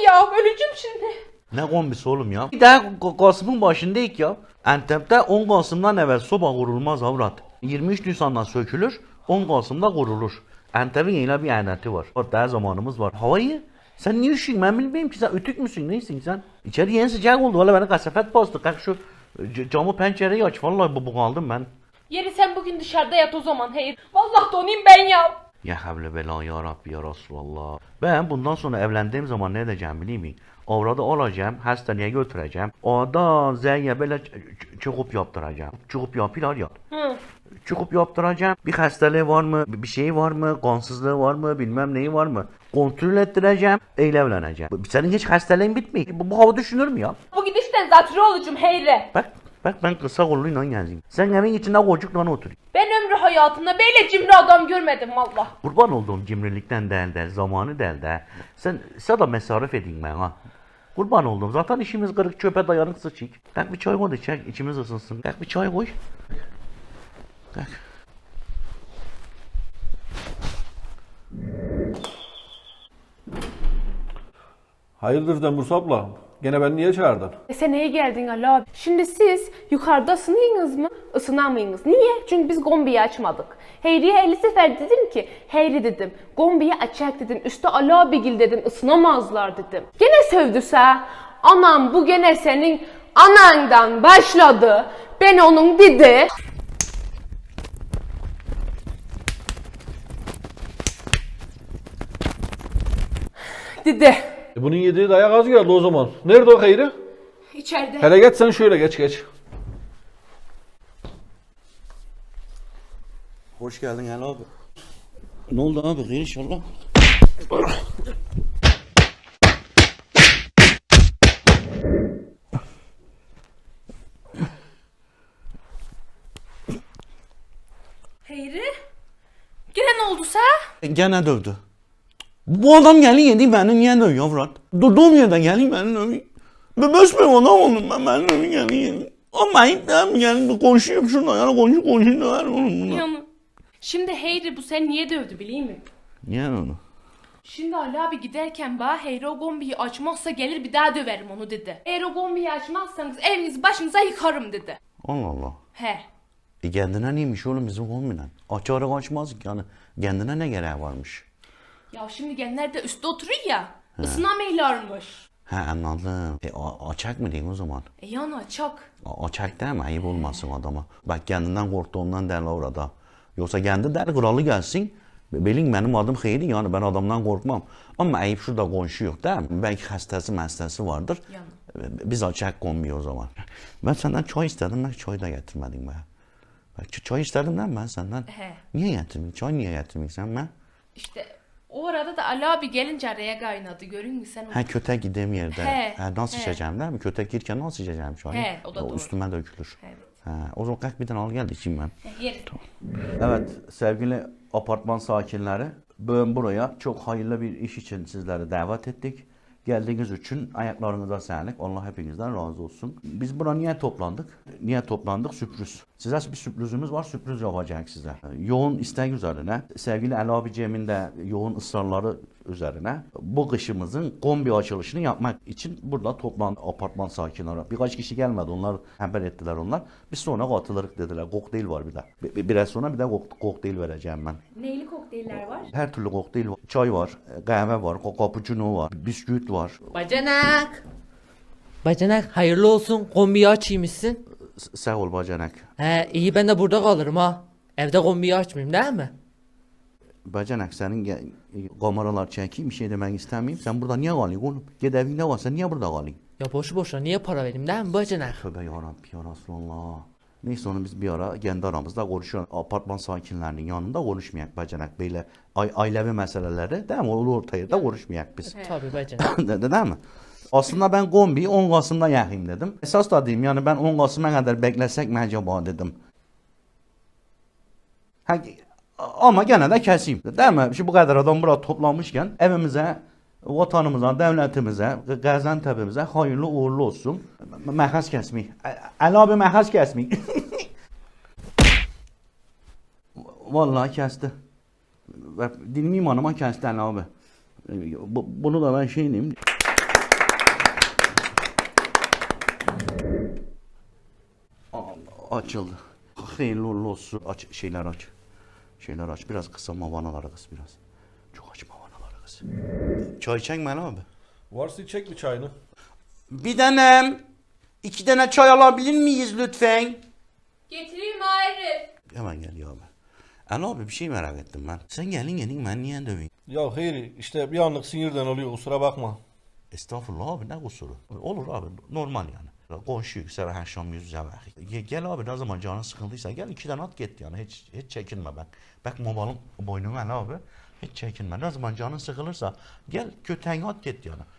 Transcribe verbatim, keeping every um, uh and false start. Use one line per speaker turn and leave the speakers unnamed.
ya, öleceğim şimdi.
Ne kombisi oğlum ya? Bir daha Kasım'ın başındayız ya. Antep'te on Kasım'dan evvel soba kurulmaz avrat. yirmi üç Nisan'dan sökülür, on Kasım'da kurulur. Antep'in yine bir adeti var. Hatta zamanımız var. Havayı sen niye üşüyorsun? Ben bilmiyorum ki, sen ötük müsün? Neysin sen? İçeri yeni sıcak oldu. Valla bana kasafet bastı. Kalk şu camı pencereyi aç. Vallahi bu kaldım ben.
Yeri sen bugün dışarıda yat o zaman Hayır. Vallahi donayım ben ya.
Ya havle bela ya Rabbi ya Resulallah. Ben bundan sonra evlendiğim zaman ne edeceğim biliyor musun? Avradı alacağım, hastaneye götüreceğim. Orada zeyye böyle çıkıp yaptıracağım. Çıkıp yapıyorlar ya.
Hı.
Çıkıp yaptıracağım. Bir hastalığı var mı? Bir şey var mı? Kansızlığı var mı? Bilmem neyi var mı? Kontrol ettireceğim. Öyle evleneceğim. Senin hiç hastalığın bitmiyor. Bu, bu hava düşünür mü ya?
Bu gidişten zatürre olacağım Heyre.
Bak. Bak ben kısa kolluyla geldim. Sen evin içinde kocukla otur.
Ben ömrü hayatımda böyle cimri adam görmedim valla.
Kurban olduğum cimrilikten değil de, zamanı değil de. Sen sana mesarif edin bana. Kurban oldum. Zaten işimiz kırık, çöpe dayanık sıçık. Kalk bir çay koy da içek, içimiz ısınsın. Kalk bir çay koy. Kalk.
Hayırdır Demurs abla? Gene beni niye çağırdın?
E sen neye geldin Ali abi? Şimdi siz yukarıda ısınıyınız mı? Isınamayınız. Niye? Çünkü biz kombiyi açmadık. Heyri'ye elli sefer dedim ki, Heyri dedim, kombiyi açak dedim, üstte Ali abigil dedim, ısınamazlar dedim. Gene sövdüse, anam bu gene senin anandan başladı, ben onun dedi. Dedi.
E bunun yediği dayak az geldi o zaman. Nerede o Hayri?
İçeride.
Hele geç sen şöyle geç geç.
Hoş geldin Ali abi. Ne oldu abi? Hayır inşallah.
Heyri? Gene ne oldu sa?
Gene dövdü. Bu adam geldi yedi beni niye dövüyor avrat? Durduğum yerde geldi beni dövüyor. Ben besmeyim adam oldum ben beni dövüyor geldi yedi. Ama ayıp yani konuşuyorum şurada yani konuşuyor konuşuyor döver oğlum buna.
Yanı. Şimdi Heyri bu sen niye dövdü bileyim mi?
Niye onu?
Şimdi Ali abi giderken bana Heyri o gombiyi açmazsa gelir bir daha döverim onu dedi. Eğer o gombiyi açmazsanız evinizi başınıza yıkarım dedi.
Allah Allah.
He.
E kendine neymiş oğlum bizim kombinen? Açarak açmaz yani. Kendine ne gereği varmış?
Ya şimdi genler de üstte oturuyor ya. Isınamaylarmış.
He anladım. E a- açak mı diyeyim o zaman?
E yani açak.
A- açak değil mi? Ayıp olmasın adama. Bak kendinden korktuğundan derler orada. Yoksa kendi der kralı gelsin. Bilin benim adım Hayri yani ben adamdan korkmam. Ama ayıp şurada komşu yok değil mi? Belki hastası hastası vardır.
Yani.
Biz açak kombi o zaman. Ben senden çay istedim. Ben çay da getirmedin be. Bak çay istedim değil mi ben senden?
He.
Niye getirmedin? Çay niye getirmedin sen ben?
İşte o arada da Ali abi gelince araya kaynadı. Görün mü sen onu?
Ha kötek gideyim yerde.
He,
Ha, nasıl
he.
içeceğim değil mi? Kötek girken nasıl içeceğim çayı?
He, o da doğru.
Üstüme dökülür.
Evet.
Ha, o zaman kalk bir tane al gel içeyim ben.
He, yerim.
Evet sevgili apartman sakinleri. Bugün buraya çok hayırlı bir iş için sizleri davet ettik. Geldiğiniz için ayaklarınıza sağlık. Allah hepinizden razı olsun. Biz buna niye toplandık? Niye toplandık? Sürpriz. Size bir sürprizimiz var. Sürpriz yapacağız size. Yoğun istek üzerine, sevgili Ali abiciğimin de yoğun ısrarları üzerine bu kışımızın kombi açılışını yapmak için burada toplandı apartman sakinleri. Birkaç kişi gelmedi. Onlar haber ettiler onlar. Biz sonra katılırız dediler. Kokteyl var bir de. Bir, biraz sonra bir de kok kokteyl vereceğim ben.
Neyli kokteyller var?
Her türlü kokteyl var. Çay var, kahve var, cappuccino var, bisküvit var.
Bacanak. Bacanak hayırlı olsun. Kombiyi açıymışsın.
S- Sağ ol bacanak.
He iyi ben de burada kalırım ha. Evde kombiyi açmayayım değil mi?
Bacanak senin ge- kameralar çekeyim bir şey demek istemeyeyim. Sen burada niye kalıyorsun oğlum? Git evinde var sen niye burada kalıyorsun?
Ya boşu boşuna niye para vereyim değil mi bacanak?
Tövbe yarabbi ya Resulallah. Neyse onu biz bir ara kendi aramızda konuşuyoruz. Apartman sakinlerinin yanında konuşmayak bacanak. Böyle ay- ailevi meseleleri değil mi? Olur ortaya da konuşmayak biz.
Tabii bacanak.
De- de- değil mi? Aslında ben kombiyi on Kasım'da yakayım dedim. Esas da diyeyim yani ben on Kasım'a kadar beklesek mi acaba dedim. Ha, ama gene de keseyim. Değil mi? Şimdi bu kadar adam burada toplanmışken evimize, vatanımıza, devletimize, Gaziantep'imize hayırlı uğurlu olsun. Məhəz kesmeyi. Ali abi məhəz kesmeyi. Vallahi kesti. Dinleyeyim hanıma kesti Ali abi. Bu- Bunu da ben şey diyeyim. açıldı. Hayırlı uğurlu olsun. Aç, şeyler aç. Şeyler aç. Biraz kısa mavanaları kız biraz. Çok aç mavanaları kız. Çay çekme abi.
Varsa çek bir çayını.
Bir tanem, iki tane çay alabilir miyiz lütfen?
Getireyim Arif.
Hemen gel ya abi. Ali abi bir şey merak ettim ben. Sen gelin gelin ben niye döveyim?
Ya Hayri işte bir anlık sinirden oluyor kusura bakma.
Estağfurullah abi ne kusuru? Olur abi normal yani. Konuşuyor sever her şam yüz yüze ver. Gel abi ne zaman canın sıkıldıysa gel iki tane at git yani hiç hiç çekinme bak. Bak mobalın boynuna Ali abi. Hiç çekinme. Ne zaman canın sıkılırsa gel köteğini at git yani.